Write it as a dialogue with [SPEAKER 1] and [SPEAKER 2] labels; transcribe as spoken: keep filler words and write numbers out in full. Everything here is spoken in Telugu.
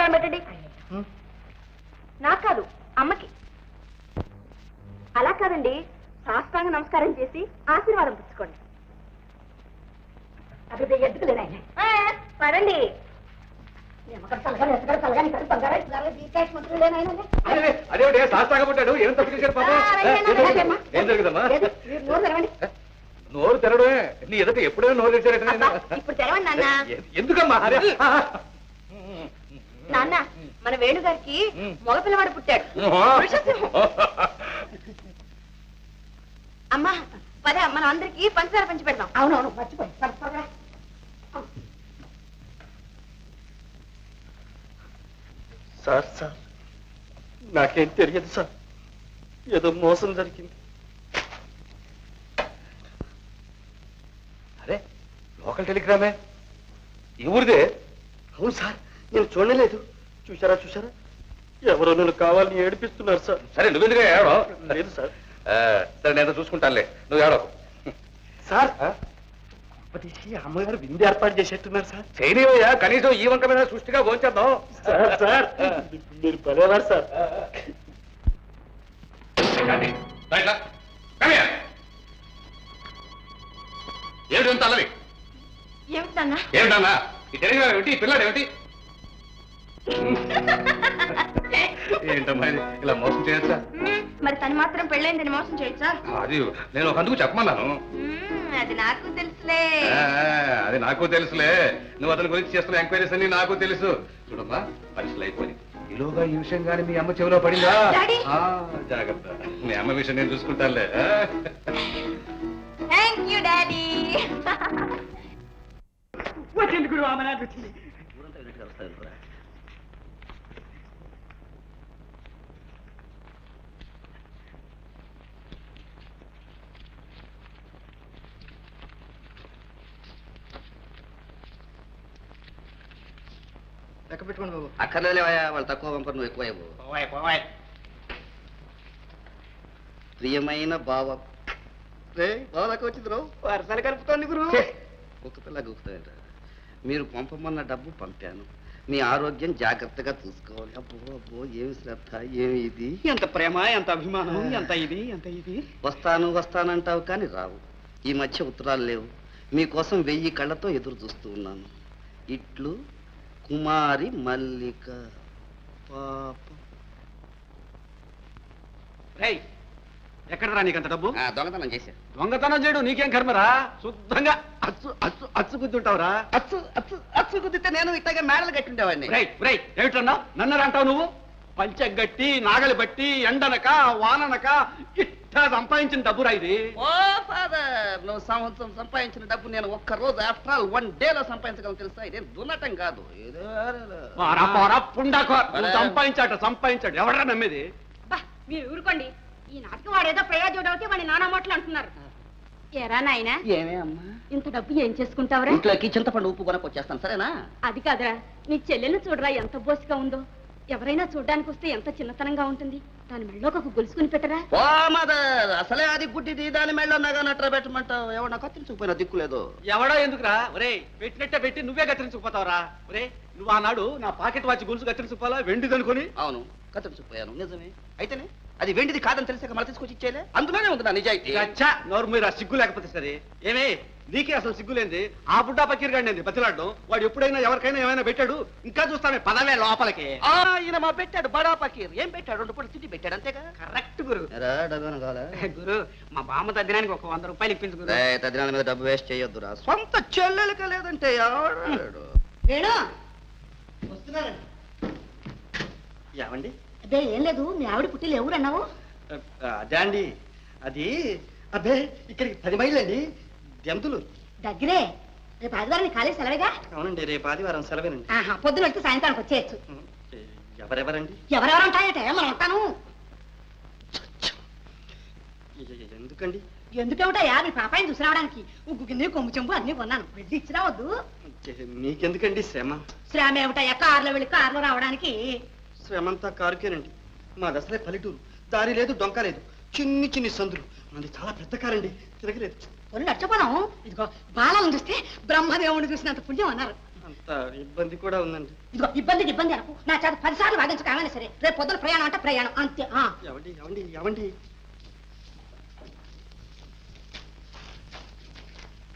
[SPEAKER 1] నమస్కారం పెట్టండి. నాకు కాదు, అమ్మకి. అలా కాదండి, సాష్టాంగ నమస్కారం చేసి ఆశీర్వాదం పుచ్చుకోండి. అది ఎద్దుకులేనా పదండి.
[SPEAKER 2] అదే శాస్త్రంగా పుట్టాడు. ఏం తప్పు చేశాడు పాపం? ఏం జరుగుదమ్మా? నోరు తెరవడమే. నీ ఎదుట ఎప్పుడైనా నోరు తెచ్చారట.
[SPEAKER 1] ఇప్పుడు తెరవండి నాన్న.
[SPEAKER 2] ఎందుకమ్మా?
[SPEAKER 1] నాన్న, మన వేణుగారికి మగపిల్లవాడు పుట్టాడు. అమ్మా పదే, మనం అందరికి పంచదార పంచి పెడదాం. అవునవును, మర్చిపోయి.
[SPEAKER 3] సార్ సార్ నాకేం తెలియదు సార్, ఏదో మోసం జరిగింది.
[SPEAKER 2] అరే, లోకల్ టెలిగ్రామే. ఈ ఊరిదే?
[SPEAKER 3] అవును సార్, నేను చూడలేదు. చూసారా చూసారా, ఎవరో నన్ను కావాలని ఏడిపిస్తున్నారు సార్.
[SPEAKER 2] సరే, నువ్వెందుకు ఏడో?
[SPEAKER 3] లేదు సార్.
[SPEAKER 2] సరే, నేను చూసుకుంటానులే, నువ్వు ఏడో.
[SPEAKER 3] సార్ తీసి అమ్మగారు విందు ఏర్పాటు చేసేట్టున్నారు సార్.
[SPEAKER 2] చేయనివయ్యా, కనీసం ఈ వంక మీద సృష్టిగా భోంచేద్దాం.
[SPEAKER 3] సార్ సార్ మీరు పదేవారు సార్.
[SPEAKER 2] ఏమిటి అంత అల్లరి?
[SPEAKER 1] ఏమిటన్నా?
[SPEAKER 2] ఏమిటన్నా ఈ టెలిగ్రామ్ ఏమిటి? ఈ పిల్లాడు ఏమిటి? ఏంటమ్మా ఇలా మోసం చేయొచ్చా?
[SPEAKER 1] మరి తను మాత్రం పెళ్ళైందని మోసం చేయొచ్చా?
[SPEAKER 2] అది నేను ఒక అందుకు చెప్పమన్నాను.
[SPEAKER 1] అది నాకు తెలుసులే.
[SPEAKER 2] అది నాకు తెలుసులే. నువ్వు అతని గురించి చేస్తున్న ఎంక్వైరీస్ అన్ని నాకు తెలుసు. చూడమ్మా, పరీక్షలు అయిపోయి ఈలోగా ఈ విషయం కానీ మీ అమ్మ చెవిలో పడిందా? జాగ్రత్త, మీ అమ్మ విషయం నేను చూసుకుంటానులే.
[SPEAKER 1] Thank you daddy.
[SPEAKER 3] వచ్చింది గురు, ఆమె వచ్చింది.
[SPEAKER 4] లెక్క పెట్టుకోండి బాబు. అక్కర్లేవా, వాళ్ళు తక్కువ పంపరు, నువ్వు ఎక్కువ. ప్రియమైన బావ రే, బావ దాకా వచ్చింది రావు.
[SPEAKER 3] వరసలు కలుపుతోంది గురు.
[SPEAKER 4] ఒక పిల్ల గుర్తుంట. మీరు పంపమన్న డబ్బు పంపాను. మీ ఆరోగ్యం జాగ్రత్తగా చూసుకోవాలి. అబ్బో అబ్బో, ఏమి శ్రద్ధ, ఏమి ఇది,
[SPEAKER 3] ఎంత ప్రేమ, ఎంత అభిమానం, ఎంత ఇది ఎంత ఇది.
[SPEAKER 4] వస్తాను వస్తానంటావు కానీ రావు. ఈ మధ్య ఉత్తరాలు లేవు. మీకోసం వెయ్యి కళ్ళతో ఎదురు చూస్తూ ఉన్నాను. ఇట్లు కుమారి మల్లిక. పాప.
[SPEAKER 3] ఎక్కడరా నీకంత డబ్బు?
[SPEAKER 4] దొంగతనం చేశా.
[SPEAKER 3] దొంగతనం చేయడం నీకేం కర్మరా? శుద్ధంగా అచ్చు అచ్చు అచ్చు గుద్దుంటావురా.
[SPEAKER 4] అచ్చు అచ్చు అచ్చు గుద్దితే నేను ఇట్లాగే మేడలు కట్టుండేవాడిని.
[SPEAKER 3] ఏమిటన్నా నన్నరా అంటావు నువ్వు? పంచగట్టి నాగలి బట్టి ఎండనక వాననక ఇట్టా సంపాదించిన డబ్బురా ఇది.
[SPEAKER 4] ఓ ఫాదర్, నువ్వు సంవత్సరం సంపాదించిన డబ్బు నేను ఒక్క రోజు ఆఫ్టర్ ఆల్ వన్ డే లో సంపాదించగలను తెలుసా? ఇదేం దున్నటం కాదు.
[SPEAKER 3] సంపాదించాట సంపాదించాడు ఎవడరా నమ్మేది?
[SPEAKER 1] మీరు ఊరుకోండి. ఈ నాటకం వాడేదో ప్రయోజనం అవుతే వాడిని నానా మాటలు అంటున్నారు. ఎరా నాయనా,
[SPEAKER 4] ఏమే అమ్మా,
[SPEAKER 1] ఇంత డబ్బు ఏం చేసుకుంటావురా?
[SPEAKER 4] ఇంట్లోకి చింతపండు ఉప్పు కొనకొచ్చేస్తాను, సరేనా?
[SPEAKER 1] అది కాదురా, నీ చెల్లెల్ని చూడరా ఎంత బోసిగా ఉందో. ఎవరైనా చూడ్డానికి వస్తే ఎంత చిన్నతనంగా ఉంటుంది. దాని మెళ్ళో ఒక గొలుసుకుని పెట్టరా.
[SPEAKER 4] ఓ మదర్, అసలే అది గుడ్డిది, దాని మెళ్ళో నగా నట్ర పెట్టమంటావు. ఎవడన్నా కత్తిరించుకుపోయినా దిక్కులేదు.
[SPEAKER 3] ఎవడో ఎందుకురా? ఒరే, పెట్టినట్టే పెట్టి నువ్వే కత్తిరించుకుపోతావురా. ఒరే, నువ్వు ఆనాడు నా పాకెట్ వాచ్ గొలుసు కత్తిరించుకోవాలా వెండిది అనుకుని?
[SPEAKER 4] అవును, కత్తిరించుకుపోయాను, నిజమే. అయితేనే అది వెండిది కాదని తెలిసాక మళ్ళీ తీసుకొచ్చి ఇచ్చేలే. అందులోనే ఉంది నా నిజాయితీ.
[SPEAKER 3] నోరు మీరు సిగ్గు లేకపోతే సరే. ఏమే నీకే అసలు సిగ్గులేంది? ఆ బుడ్డా పకీర్ గాండి బతిలాడడం. వాడు ఎప్పుడైనా ఎవరికైనా ఏమైనా పెట్టాడు? ఇంకా చూస్తామే, పదవే లోపలికి.
[SPEAKER 4] ఈయన మా పెట్టాడు బడా పకీర్. ఏం పెట్టాడు? రెండు పూట తిండి పెట్టాడు, అంతేగా?
[SPEAKER 3] కరెక్ట్ గురు.
[SPEAKER 4] గురు,
[SPEAKER 3] మా బామ్మ తద్దినానికి ఒక వంద రూపాయలు ఇప్పించు గురు.
[SPEAKER 4] తద్దినాల మీద డబ్బు వేస్ట్ చేయొద్దురా. సొంత చెల్లెలక లేదంటే
[SPEAKER 3] ఏమండి?
[SPEAKER 1] అదే ఏం లేదు, మీ ఆవిడ పుట్టిలు ఎవరు అన్నావు?
[SPEAKER 3] అదే అండి, అది అబ్బే ఇక్కడికి పది మైళ్ళు అండి, దెంతులు
[SPEAKER 1] దగ్గరే. రేపు ఆదివారం కాలేజ్ సెలవేగా?
[SPEAKER 3] అవునండి, రేపు ఆదివారం సెలవేనండి.
[SPEAKER 1] పొద్దున వెళ్తే సాయంత్రానికి వచ్చేయచ్చు.
[SPEAKER 3] ఎవరెవరండి?
[SPEAKER 1] ఎవరెవరు ఉంటాయట, మనం ఉంటాను.
[SPEAKER 3] ఎందుకండి?
[SPEAKER 1] ఎందుకేమిటయా, మీ పాపాయిని చూసి రావడానికి ఉగ్గు గిన్నె కొమ్ము చెంబు అన్ని కొన్నాను. వెళ్ళి ఇచ్చి రావద్దు.
[SPEAKER 3] మీకెందుకండి శ్రమ?
[SPEAKER 1] శ్రమ ఏమిటయ్యా, కారులో వెళ్ళి కారులో రావడానికి.
[SPEAKER 3] శ్రమంతా కారుకేనండి. మా దసరే పల్లెటూరు, దారి లేదు డొంక లేదు, చిన్ని చిన్ని సందులు. మనది చాలా పెద్ద కారండి, తిరగలేదు.
[SPEAKER 1] కొన్ని నచ్చపోదాం. ఇదిగో బాలను చూస్తే బ్రహ్మదేవుని చూసినంత పుణ్యం అన్నారు.
[SPEAKER 4] కొంత ఇబ్బంది కూడా ఉందండి.
[SPEAKER 5] ఇదిగో ఇబ్బందికి ఇబ్బంది అనుకో నా చేత పదిసార్లు వాదించక ఏమైనా సరే రేపు పొద్దున ప్రయాణం అంటే ప్రయాణం అంతే ఆ.
[SPEAKER 4] ఎవండి ఎవండి ఎవండి